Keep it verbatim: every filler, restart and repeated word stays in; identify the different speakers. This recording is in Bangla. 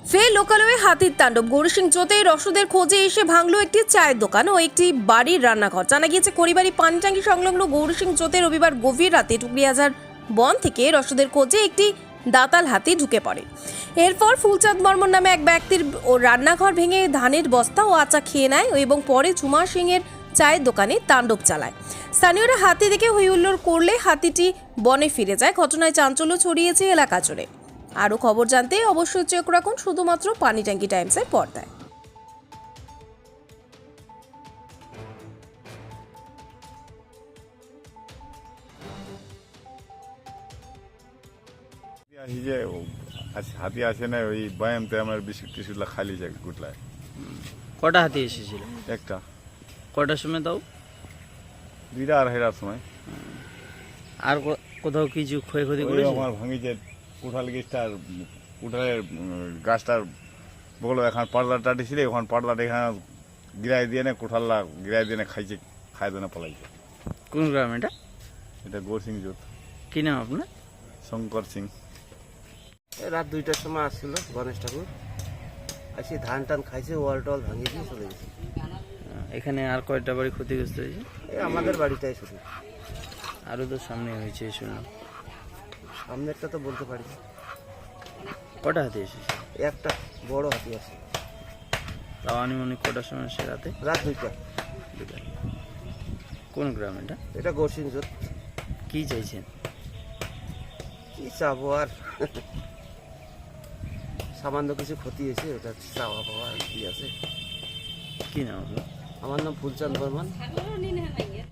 Speaker 1: ফের লোকালয়ে হাতির তাণ্ডব। গৌরসিংচোতে রসদের খোঁজে এসে ভাঙলো একটি চায়ের দোকান ও একটি বাড়ির রান্নাঘর। জানা গিয়েছে খড়িবাড়ি পানিটাঙ্গি সংলগ্ন গৌরসিংচোতে রবিবার গভীর রাতে টুকরিয়াজার বন থেকে রসদের খোঁজে একটি দাতাল হাতি ঢুকে পড়ে। এরপর ফুলচাঁদ বর্মন নামে এক ব্যক্তির ও রান্নাঘর ভেঙে ধানের বস্তা ও আচা খেয়ে নেয় এবং পরে ঝুমা সিংয়ের চায়ের দোকানে তাণ্ডব চালায়। স্থানীয়রা হাতি দেখে হইহুল্লোড় করলে হাতিটি বনে ফিরে যায়। ঘটনায় চাঞ্চল্য ছড়িয়েছে এলাকা জুড়ে। আরও খবর জানতে অবশ্যই চোখ রাখুন শুধুমাত্র পানিট্যাঙ্কি টাইমসের পর্দায়।
Speaker 2: আসি যে আস- হাতি আসে না, ওই ব্যায়ামতে আমার বিস্কুট টিস্কুট খালি যায় গুটলায়
Speaker 3: কটা হাতি এসেছিল?
Speaker 2: একটা
Speaker 3: কটার সময় তাও?
Speaker 2: দুইটা আড়াইটার সময়।
Speaker 3: আর কো- কোথাও কিছু ক্ষয়ক্ষতি
Speaker 2: ওই
Speaker 3: করেছে?
Speaker 2: আমার ভাঙিছে কুঠাল গাছটার কুঠালের উম, গাছটার বগল এখন পাটলা টাটিছিল, এখন পাটলাটা এখানে গিরাই দিয়ে না কুঠাল্লা গিরাই দিয়ে না খাইছে, খাই দিয়ে না পলাইছে।
Speaker 3: কোন গ্রাম এটা?
Speaker 2: এটা গোর সিং জোত,
Speaker 3: কি নাম আপনার?
Speaker 2: শঙ্কর সিং।
Speaker 4: এই রাত দুইটার সময় আসছিল গণেশ ঠাকুর, আসি ধান টান খাইছে, ওয়াল টল ভাঙিয়ে দিয়ে চলে গেছে।
Speaker 3: এখানে আর কয়টা বাড়ি ক্ষতিগ্রস্ত হয়েছে?
Speaker 4: এই আমাদের বাড়িটাই শুধু,
Speaker 3: আরও তো সামনে হয়েছে শুনলাম।
Speaker 4: সামনেরটা তো বলতে পারি না।
Speaker 3: কটা হাতি এসেছে?
Speaker 4: একটা বড় হাতি আছে,
Speaker 3: তাও আনুমানিক কটার সময় সে রাতে?
Speaker 4: রাত দুইটা।
Speaker 3: বিকালে। কোন গ্রাম এটা?
Speaker 4: এটা গোরসিং জোত।
Speaker 3: কি চাইছেন?
Speaker 4: কি চাবো আর, সামান্য কিছু ক্ষতি হয়েছে, ওটা চাওয়া পাওয়া আর কি আছে।
Speaker 3: কি নাম আপনার?
Speaker 4: আমার নাম ফুলচাঁদ বর্মন।